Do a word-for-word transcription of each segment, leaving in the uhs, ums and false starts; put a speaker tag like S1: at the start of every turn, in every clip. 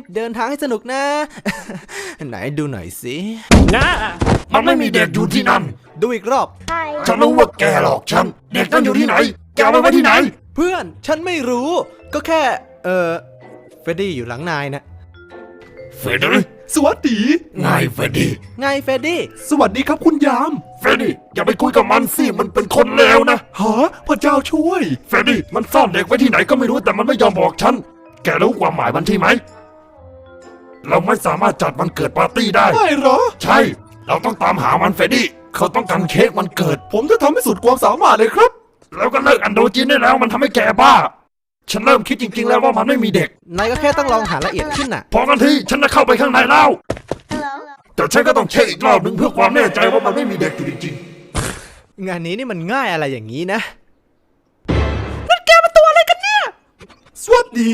S1: เดินทางให้สนุกนะ ไหนดูหน่อยสิ
S2: นะมันไม่มีเด็กอยู่ที่นั่น
S1: ดูอีกรอบ
S2: ฉันรู้ว่าแกหลอกฉันเด็กนั่นอยู่ที่ไหนแกเอาไว้ที่ไหน
S1: เพื่อนฉันไม่รู้ก็แค่เออเฟรดดี้อยู่หลังนายนะ
S2: เฟรดดี้สวัสดีไงเฟรดดี้
S1: ไงเฟรดดี้
S2: สวัสดีครับคุณยามเฟรดดี้อย่าไปคุยกับมันสิมันเป็นคนเลวนะฮะพระเจ้าช่วยเฟรดดี้มันซ่อนเด็กไว้ที่ไหนก็ไม่รู้แต่มันไม่ยอมบอกฉันแกรู้ความหมายมันที่ไหมเราไม่สามารถจัดวันเกิดปาร์ตี้ได้
S1: ไม่หรอ
S2: ใช่เราต้องตามหามันเฟรดดี้เขาต้องการเค้กวันเกิด
S1: ผมจะทำให้สุดความสามารถเลยครับ
S2: แล้วก็เลิกอันโดจินได้แล้วมันทำให้แกบ้าฉันเริ่มคิดจริงๆแล้วว่ามันไม่มีเด็ก
S1: นายก็แค่ต้องลองหาละเอียดขึ้นน่ะ
S2: พอกันทีฉันจะเข้าไปข้างในแล้วแต่ฉันก็ต้องเช็คอีกรอบหนึ่งเพื่อความแน่ใจว่ามันไม่มีเด็กอยู่จริง
S1: ๆงานนี้นี่มันง่ายอะไรอย่างนี้นะนั่นแกเป็นตัวอะไรกันเนี่ย
S2: สวัสดี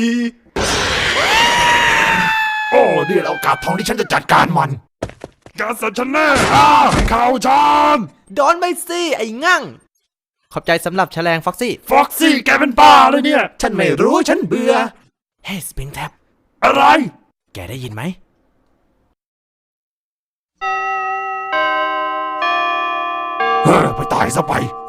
S2: โอ้นี่โอกาสทองที่ฉันจะจัดการมันแกสัตว์ฉันแน่อ่าข่าวฉัน
S1: ดอนไม่สิไอ้งั่งขอบใจสำหรับแฉลงฟ็อกซี่
S2: ฟ็อกซี่แกเป็นบ้าเลยเนี่ย
S1: ฉันไม่รู้ฉันเบื่อเฮ้ยสปริงแท็บ
S2: อะไร
S1: แกได้ยินไหม
S2: เฮ้ยไปตายซะไป